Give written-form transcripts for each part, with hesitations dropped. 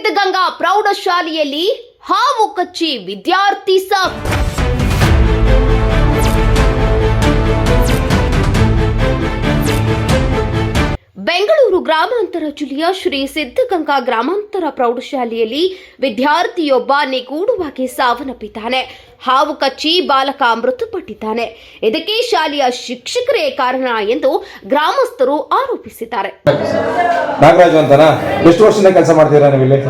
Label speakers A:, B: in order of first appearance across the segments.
A: ಸಿದ್ಧಗಂಗಾ ಪ್ರೌಢಶಾಲೆಯಲ್ಲಿ ಹಾವು ಕಚ್ಚಿ ವಿದ್ಯಾರ್ಥಿ ಸಾವು. ಬೆಂಗಳೂರು ಗ್ರಾಮಾಂತರ ಜಿಲ್ಲೆಯ ಶ್ರೀ ಸಿದ್ಧಗಂಗಾ ಗ್ರಾಮಾಂತರ ಪ್ರೌಢಶಾಲೆಯಲ್ಲಿ ವಿದ್ಯಾರ್ಥಿಯೊಬ್ಬ ನಿಗೂಢವಾಗಿ ಸಾವನ್ನಪ್ಪಿದ್ದಾನೆ. ಹಾವು ಕಚ್ಚಿ ಬಾಲಕ ಮೃತಪಟ್ಟಿದ್ದಾನೆ. ಇದಕ್ಕೆ ಶಾಲೆಯ ಶಿಕ್ಷಕರೇ ಕಾರಣ ಎಂದು ಗ್ರಾಮಸ್ಥರು ಆರೋಪಿಸಿದ್ದಾರೆ.
B: ನಾಗರಾಜು ಅಂತನಾ? ಎಷ್ಟು ವರ್ಷದಿಂದ ಕೆಲಸ ಮಾಡ್ತೀರಾ ನೀವು ಇಲ್ಲಿ?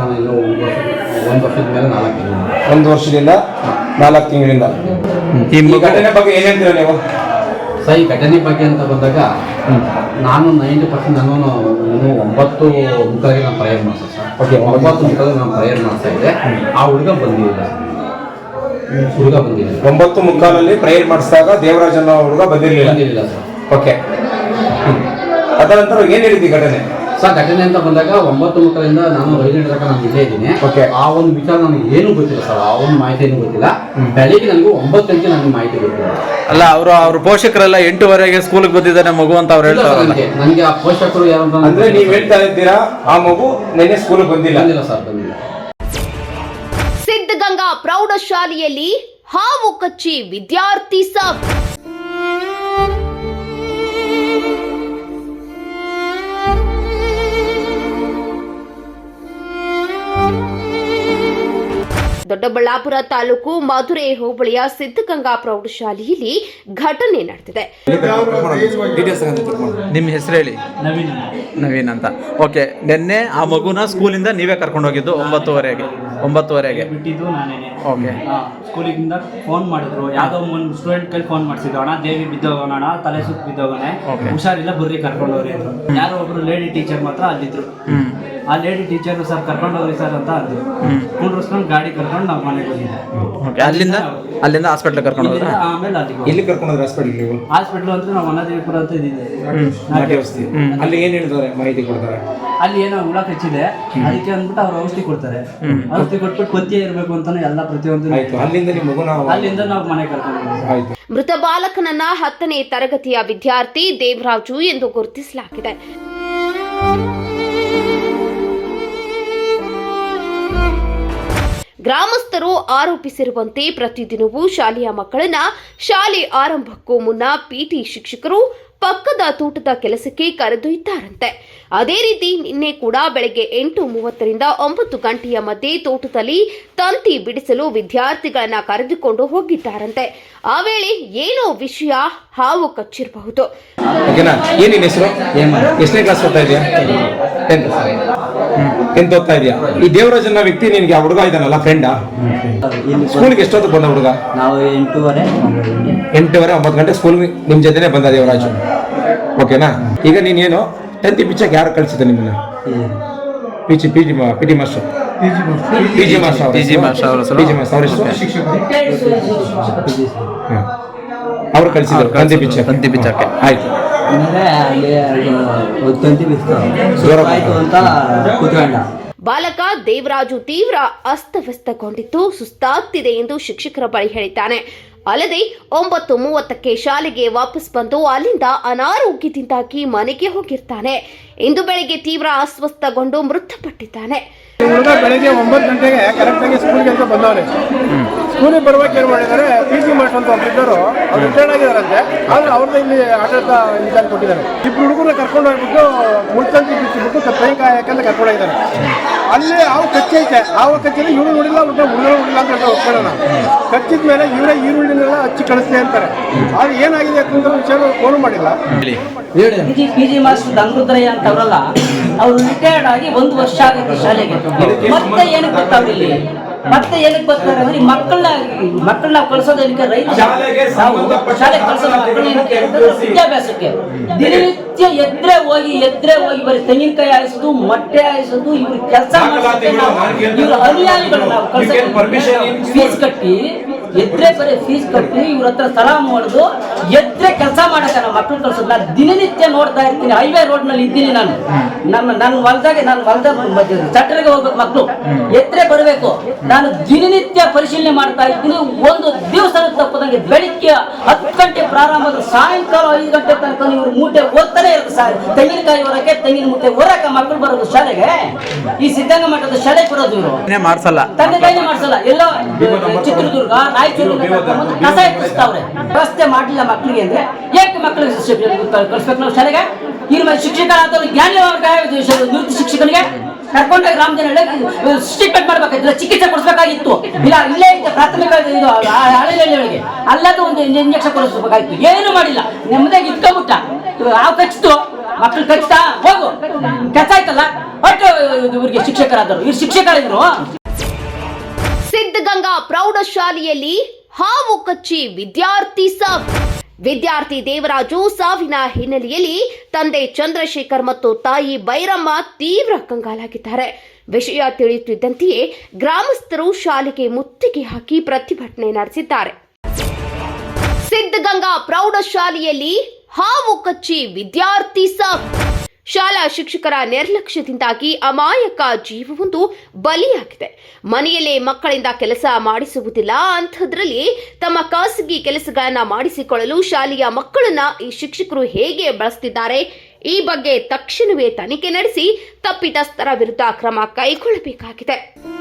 B: ಒಂದು ವರ್ಷದಿಂದ 4 ತಿಂಗಳಿಂದ. ಈ ಘಟನೆ ಬಗ್ಗೆ ಏನ್ ಹೇಳ್ತೀರಾ ನೀವು?
C: ಸರ್, ಈ ಘಟನೆ ಬಗ್ಗೆ ಅಂತ ಬಂದಾಗ ನಾನು 90% ನಾನು 9 ಮುಖಗಳಿಗೆ ನಾನು ಪ್ರೇಯರ್ ಮಾಡಿದೆ ಸರ್. ಓಕೆ, 9 ಮುಖಗಳಿಗೆ ನಾನು ಪ್ರೇಯರ್ ಮಾಡ್ತಾ ಇದ್ದೆ. ಆ ಹುಡುಗ ಬಂದಿಲ್ಲ.
B: 9 ಮುಕ್ಕಾಲಲ್ಲಿ ಪ್ರೇಯರ್ ಮಾಡಿಸಿದಾಗ ದೇವರಾಜ್ ಅನ್ನೋ ಹುಡುಗ ಬಂದಿರಲಿಲ್ಲ
C: ಸರ್.
B: ಓಕೆ, ಅದರ ನಂತರ ಏನ್ ಹೇಳಿದ್ವಿ ಘಟನೆ?
C: ಸರ್, ಘಟನೆ ಅಂತ ಬಂದಾಗ 9 ಮುಖದಿಂದ ನಾನು 5 ಗಂಟೆ ತನಕ ನಾನು ಇಲ್ಲೇ ಇದ್ದೀನಿ. ಆ ಒಂದು ವಿಚಾರ ನನಗೆ ಏನೂ ಗೊತ್ತಿಲ್ಲ ಸರ್. ಆ ಒಂದು ಮಾಹಿತಿ ಏನೂ ಗೊತ್ತಿಲ್ಲ. ಬೆಳಿಗ್ಗೆ ನನಗೂ 9 ಗಂಟೆ ನನಗೆ ಮಾಹಿತಿ ಗೊತ್ತಿಲ್ಲ.
D: ಅಲ್ಲ, ಅವ್ರ ಪೋಷಕರೆಲ್ಲ 8:00ವರೆಗೆ ಸ್ಕೂಲ್ಗೆ ಬಂದಿದ್ದಾನೆ ಮಗು ಅಂತ ಅವ್ರು ಹೇಳ್ತಾರೆ.
C: ನನಗೆ ಆ ಪೋಷಕರು ಯಾರು
B: ಅಂದ್ರೆ ನೀವು ಹೇಳ್ತಾ ಇದ್ದೀರಾ ಆ ಮಗು ನಿನ್ನೆ ಸ್ಕೂಲ್ಗೆ ಬಂದಿಲ್ಲ
C: ಸರ್, ಬಂದಿಲ್ಲ.
A: ಸಿದ್ಧಗಂಗಾ ಪ್ರೌಢಶಾಲೆಯಲ್ಲಿ ಹಾವು ಕಚ್ಚಿ ವಿದ್ಯಾರ್ಥಿ ಸಾವು. ದೊಡ್ಡಬಳ್ಳಾಪುರ ತಾಲೂಕು ಮಧುರೆ ಹೋಬಳಿಯ ಸಿದ್ಧಗಂಗಾ ಪ್ರೌಢಶಾಲೆಯಲ್ಲಿ ಘಟನೆ ನಡೆದಿದೆ.
D: ನಿಮ್ಮ ಹೆಸರು ಹೇಳಿ. ನವೀನ್ ಅಂತ. ಓಕೆ, ನಿನ್ನೆ ಆ ಮಗುನ ಸ್ಕೂಲಿಂದ ನೀವೇ ಕರ್ಕೊಂಡು ಹೋಗಿದ್ದು 9:30ಗೆ
E: ಬಿಟ್ಟಿದ್ದು ನಾನೇನೆ.
D: ಓಕೆ,
E: ಸ್ಕೂಲಿಂದ ಫೋನ್ ಮಾಡಿದ್ರು. ಯಾವುದೋ ಒಂದು ಸ್ಟೂಡೆಂಟ್ ಕೈ ಫೋನ್ ಮಾಡಿಸಿದ್ರು, ಅಣ್ಣ ದೇವಿ ಬಿದ್ದೋಗೋಣ, ತಲೆ ಸುತ್ತ ಬಿದ್ದೋಗೋಣ, ಹುಷಾರಿಲ್ಲ ಬರ್ರಿ ಕರ್ಕೊಂಡವ್ರಿ ಅಂದ್ರು. ಯಾರೋ ಒಬ್ರು ಲೇಡಿ ಟೀಚರ್ ಮಾತ್ರ ಅಲ್ಲಿದ್ರು. ಆ ಲೇಡಿ ಟೀಚರ್ ಸರ್ ಕರ್ಕೊಂಡವ್ರಿ ಸರ್ ಅಂತ ಅಂದ್ರು. ಕುಂಡ್ರಸ್ಕೊಂಡು ಗಾಡಿ ಕರ್ಕೊಂಡು ನಾವು ಮನೆಗೆ ಹೋಗಿದ್ದೆ.
D: ಅಲ್ಲಿಂದ ಹಾಸ್ಪಿಟ್ಲ್ ಕರ್ಕೊಂಡು ಹೋದ್ರೆ
E: ಆಮೇಲೆ
B: ಎಲ್ಲಿ ಕರ್ಕೊಂಡು ಹೋದ್ರೆ?
E: ಹಾಸ್ಪಿಟ್ಲ್ ಅಂದ್ರೆ ನಾವು ವನದೇವಿಪುರ ಅಂತ ಇದ್ದಿದ್ದೆ.
B: ಅಲ್ಲಿ ಏನ್ ಹೇಳ್ತಾರೆ, ಮಾಹಿತಿ ಕೊಡ್ತಾರೆ?
E: ಅಲ್ಲಿ ಏನೋ ಹುಳ ಕಚ್ಚಿದೆ, ಅದಕ್ಕೆ ಅಂದ್ಬಿಟ್ಟು ಅವ್ರು ಔಷಧಿ ಕೊಡ್ತಾರೆ. ಔಷಧಿ ಕೊಟ್ಬಿಟ್ಟು ಪಥ್ಯ ಇರಬೇಕು ಅಂತಾನೆ ಎಲ್ಲ ಪ್ರತಿಯೊಂದು. ಅಲ್ಲಿಂದ ನಾವು ಮನೆ ಕರ್ಕೊಂಡು.
A: ಮೃತ ಬಾಲಕನನ್ನ 10ನೇ ತರಗತಿಯ ವಿದ್ಯಾರ್ಥಿ ದೇವರಾಜು ಎಂದು ಗುರುತಿಸಲಾಗಿದೆ. ಗ್ರಾಮಸ್ಥರು ಆರೋಪಿಸಿರುವಂತೆ ಪ್ರತಿದಿನವೂ ಶಾಲೆಯ ಮಕ್ಕಳನ್ನ ಶಾಲೆ ಆರಂಭಕ್ಕೂ ಮುನ್ನ ಪಿಟಿ ಶಿಕ್ಷಕರು ಪಕ್ಕದ ತೋಟದ ಕೆಲಸಕ್ಕೆ ಕರೆದೊಯ್ದಾರಂತೆ. ಅದೇ ರೀತಿ ನಿನ್ನೆ ಕೂಡ ಬೆಳಗ್ಗೆ 8:30ರಿಂದ 9 ಗಂಟೆಯ ಮಧ್ಯೆ ತೋಟದಲ್ಲಿ ತಂತಿ ಬಿಡಿಸಲು ವಿದ್ಯಾರ್ಥಿಗಳನ್ನ ಕರೆದುಕೊಂಡು ಹೋಗಿದ್ದಾರಂತೆ. ಆ ವೇಳೆ ಏನೋ ವಿಷಯ ಹಾವು ಕಚ್ಚಿರಬಹುದು.
B: ಏನಿನ ಹೆಸರು? ಎಷ್ಟನೇ ಕ್ಲಾಸ್ ಓದ್ತಾ ಇದೆಯಾ? 10th ಓದ್ತಾ ಇದೆಯಾ? ಈ ದೇವರಾಜ್ ಅನ್ನೋ ವ್ಯಕ್ತಿ ನಿನ್ಗೆ ಆ ಹುಡುಗ ಇದ್ದಾನಲ್ಲ, ಫ್ರೆಂಡಾ? ಸ್ಕೂಲ್ಗೆ ಎಷ್ಟೊತ್ತು ಬಂದ ಹುಡುಗ?
F: ನಾವು 8:30
B: 9 ಗಂಟೆ ಸ್ಕೂಲ್ ನಿಮ್ ಜೊತೆನೆ ಬಂದ ದೇವರಾಜು. ಓಕೆನಾ? ಈಗ ನೀನೇನು ತಂತಿ ಬಿಚ್ಚಕ್ಕೆ ಯಾರು ಕಳಿಸಿದ ನಿಮ್ಮನ್ನ? ಪಿ ಟಿ ಮಾಸ್ಟರ್ ಅವ್ರು ಕಳಿಸಿದ್ರು ತಂತಿ ಬಿಚ್ಚಕ್ಕೆ. ಆಯ್ತು,
A: ಬಾಲಕ ದೇವರಾಜು ತೀವ್ರ ಅಸ್ತವ್ಯಸ್ತಗೊಂಡಿದ್ದು ಸುಸ್ತಾಗ್ತಿದೆ ಎಂದು ಶಿಕ್ಷಕರ ಬಳಿ ಹೇಳಿದ್ದಾನೆ. ಅಲ್ಲದೆ 9:30ಕ್ಕೆ ಶಾಲೆಗೆ ವಾಪಸ್ ಬಂದು ಅಲ್ಲಿಂದ ಅನಾರೋಗ್ಯದಿಂದಾಗಿ ಮನೆಗೆ ಹೋಗಿರ್ತಾನೆ. ಇಂದು ಬೆಳಗ್ಗೆ ತೀವ್ರ ಅಸ್ವಸ್ಥಗೊಂಡು ಮೃತಪಟ್ಟಿದ್ದಾನೆ.
G: ಹುಡುಗ ಬೆಳಗ್ಗೆ 9 ಗಂಟೆಗೆ ಕರೆಕ್ಟಾಗಿ ಸ್ಕೂಲ್ಗೆ ಅಂತ ಬಂದವನೆ. ಸ್ಕೂಲಿಗೆ ಬರುವಾಗ ಏನು ಮಾಡಿದ್ದಾರೆ, ಪಿ ಜಿ ಮಾಸ್ಟರ್ ಅಂತ ಒಬ್ಬರಿದ್ದರು, ಅವ್ರು ರಿಟೈರ್ಡ್ ಆಗಿದ್ದಾರಂತೆ. ಆದರೆ ಅವ್ರದ್ದು ಇಲ್ಲಿ ಆಡಳಿತ ಇನ್ಚಾರ್ಜ್ ಕೊಟ್ಟಿದ್ದಾರೆ. ಇಬ್ಬರು ಹುಡುಗರನ್ನ ಕರ್ಕೊಂಡು ಹೋಗ್ಬಿಟ್ಟು ಮುಳ್ತಂತಿ ಬಿಚ್ಚಿಬಿಟ್ಟು ಕೈಕಾಯಕ್ಕೆ ಕರ್ಕೊಂಡೋಗಿದ್ದಾರೆ. ಅಲ್ಲಿ ಹಾವು ಕಚ್ಚೈತೆ. ಹಾವು ಕಚ್ಚಿದ್ರೆ ಇವರು ನೋಡಿಲ್ಲ, ಹುಡುಗರು ನೋಡಿಲ್ಲ ಅಂತ ಹೇಳ್ತಾರೆ. ಒಪ್ಕೊಳ್ಳೋಣ. ಕಚ್ಚಿದ ಮೇಲೆ ಇವರೇ ಈರುಳ್ಳಿನೆಲ್ಲ ಹಚ್ಚಿ ಕಳಿಸ್ತೆ ಅಂತಾರೆ. ಆದರೆ ಏನಾಗಿದೆ ಅಂತ ವಿಷಯ ಫೋನ್ ಮಾಡಿಲ್ಲ.
F: ಪಿ ಜಿ ಮಾಸ್ಟರ್ ದಂಗುದ್ರಯ್ಯ ಅಂತ ಅವರಲ್ಲ, ಅವರು ರಿಟೈರ್ಡ್ ಆಗಿ 1 ವರ್ಷ ಆಗುತ್ತೆ ಶಾಲೆಗೆ. ಮತ್ತೆ ಏನಕ್ಕೆ ಬರ್ತಾವ್ರಿ ಇಲ್ಲಿ? ಮತ್ತೆ ಏನಕ್ಕೆ ಬರ್ತಾರೆ ಅಂದ್ರೆ ಮಕ್ಕಳನ್ನ ಕಳ್ಸೋದಕ್ಕೆ ರೈತ ಶಾಲೆ ಕಳ್ಸೋದು ವಿದ್ಯಾಭ್ಯಾಸಕ್ಕೆ. ದಿನನಿತ್ಯ ಎದ್ರೆ ಹೋಗಿ ಬರೀ ತೆಂಗಿನಕಾಯಿ ಆಯಿಸೋದು, ಮೊಟ್ಟೆ ಆಯಿಸೋದು, ಇವ್ರು ಕೆಲಸ ಮಾಡೋದು. ಇವ್ರ ಅನುಯಾಯಿಗಳು ನಾವು ಫೀಸ್ ಕಟ್ಟಿ ಎದ್ರೆ ಬರೀ ಫೀಸ್ ಕಟ್ಟಿ ಇವ್ರ ಹತ್ರ ಸಲಾಮ್ ಹೊಡೆದು ಎದ್ರೆ ಕೆಲಸ ಮಾಡಕ್ಕೆ ನಮ್ಮ ಮಕ್ಕಳು ಕಳ್ಸೋದು. ನಾನು ದಿನನಿತ್ಯ ನೋಡ್ತಾ ಇರ್ತೀನಿ, ಹೈವೇ ರೋಡ್ ನಲ್ಲಿ ಇದ್ದೀನಿ ನಾನು. ನನ್ನ ಹೊಲದಾಗ ಚಟ್ಟರಿಗೆ ಹೋಗ್ಬೇಕು ಮಕ್ಕಳು, ಎದ್ರೆ ಬರಬೇಕು. ನಾನು ದಿನನಿತ್ಯ ಪರಿಶೀಲನೆ ಮಾಡ್ತಾ ಇದ್ದೀನಿ. ಒಂದು ದಿವಸ ತಪ್ಪದಂಗೆ ಬೆಳಿಗ್ಗೆ 10 ಗಂಟೆ ಪ್ರಾರಂಭ, ಸಾಯಂಕಾಲ 5 ಗಂಟೆ ತನಕ ಇವ್ರು ಮೂಟೆ ಓದ್ತಾನೆ ಇರುತ್ತೆ. ತೆಂಗಿನಕಾಯಿ ಹೊರಕ್ಕೆ, ತೆಂಗಿನ ಮೂಟೆ ಹೊರಕ್ಕೆ ಮಕ್ಕಳು ಬರೋದು ಶಾಲೆಗೆ. ಈ ಸಿದ್ಧಗಂಗಾ ಮಠದ ಶಾಲೆಗೆ ಬರೋದು ಇವರು
D: ಮಾಡ್ಸಲ್ಲ,
F: ತಂದೆ ತಾಯಿನೇ ಮಾಡ್ಸಲ್ಲ. ಎಲ್ಲ ಚಿತ್ರದುರ್ಗ, ರಾಯಚೂರು ಕಸ ಎತ್ತಿಸ್ತಾವ್ರೆ. ವ್ಯವಸ್ಥೆ ಮಾಡಲಿಲ್ಲ ಮಕ್ಕಳಿಗೆ ಅಂದ್ರೆ ಏಕೆ ಮಕ್ಕಳಿಗೆ ಕಳಿಸ್ಬೇಕು ನಾವು ಶಾಲೆಗೆ? ಈ ಶಿಕ್ಷಕರಾದವ್ರು ಜ್ಞಾನಿ ನೃತ್ಯ ಶಿಕ್ಷಕನಿಗೆ ಕರ್ಕೊಂಡೋಗಿ ರಾಮಜನಹಳ್ಳಿ ಟ್ರೀಟ್ಮೆಂಟ್ ಮಾಡ್ಬೇಕಾಗಿತ್ತು, ಚಿಕಿತ್ಸೆ ಕೊಡಿಸ್ಬೇಕಾಗಿತ್ತು. ಇಲ್ಲ ಇಲ್ಲೇ ಇದ್ದ ಪ್ರಾಥಮಿಕ ಇದು ಹಳ್ಳಿಗಳಿಗೆ ಅಲ್ಲದ ಒಂದು ಇಂಜೆಕ್ಷನ್ ಕೊಡಿಸ್ಬೇಕಾಗಿತ್ತು. ಏನು ಮಾಡಿಲ್ಲ, ನೆಮ್ಮದಿಯಾಗಿ ಇಟ್ಕೊಂಡ್ಬಿಟ್ಟ. ಆ ಕಚ್ಚಿತು, ಮಕ್ಕಳು ಕಚ್ತಾ ಹೋಗು ಕಚ್ಚಾಯ್ತಲ್ಲ ಒಟ್ಟು ಇವ್ರಿಗೆ ಶಿಕ್ಷಕರಾದರು. ಇವ್ರು ಶಿಕ್ಷಕರಿದ್ರು.
A: ಸಿದ್ಧಗಂಗಾ ಪ್ರೌಢಶಾಲೆಯಲ್ಲಿ ಹಾವು ಕಚ್ಚಿ ವಿದ್ಯಾರ್ಥಿ ಸಾವು. ವಿದ್ಯಾರ್ಥಿ ದೇವರಾಜು ಸಾವಿನ ಹಿನ್ನೆಲೆಯಲ್ಲಿ ತಂದೆ ಚಂದ್ರಶೇಖರ್ ಮತ್ತು ತಾಯಿ ಬೈರಮ್ಮ ತೀವ್ರ ಕಂಗಾಲಾಗಿದ್ದಾರೆ. ವಿಷಯ ತಿಳಿಯುತ್ತಿದ್ದಂತೆಯೇ ಗ್ರಾಮಸ್ಥರು ಶಾಲೆಗೆ ಮುತ್ತಿಗೆ ಹಾಕಿ ಪ್ರತಿಭಟನೆ ನಡೆಸಿದ್ದಾರೆ. ಸಿದ್ಧಗಂಗಾ ಪ್ರೌಢಶಾಲೆಯಲ್ಲಿ ಹಾವು ಕಚ್ಚಿ ವಿದ್ಯಾರ್ಥಿ ಸಾವು. ಶಾಲಾ ಶಿಕ್ಷಕರ ನಿರ್ಲಕ್ಷ್ಯದಿಂದಾಗಿ ಅಮಾಯಕ ಜೀವವೊಂದು ಬಲಿಯಾಗಿದೆ. ಮನೆಯಲ್ಲೇ ಮಕ್ಕಳಿಂದ ಕೆಲಸ ಮಾಡಿಸುವುದಿಲ್ಲ, ಅಂಥದ್ರಲ್ಲಿ ತಮ್ಮ ಖಾಸಗಿ ಕೆಲಸಗಳನ್ನ ಮಾಡಿಸಿಕೊಳ್ಳಲು ಶಾಲೆಯ ಮಕ್ಕಳನ್ನ ಈ ಶಿಕ್ಷಕರು ಹೇಗೆ ಬಳಸುತ್ತಿದ್ದಾರೆ? ಈ ಬಗ್ಗೆ ತಕ್ಷಣವೇ ತನಿಖೆ ನಡೆಸಿ ತಪ್ಪಿತಸ್ಥರ ವಿರುದ್ಧ ಕ್ರಮ ಕೈಗೊಳ್ಳಬೇಕಾಗಿದೆ.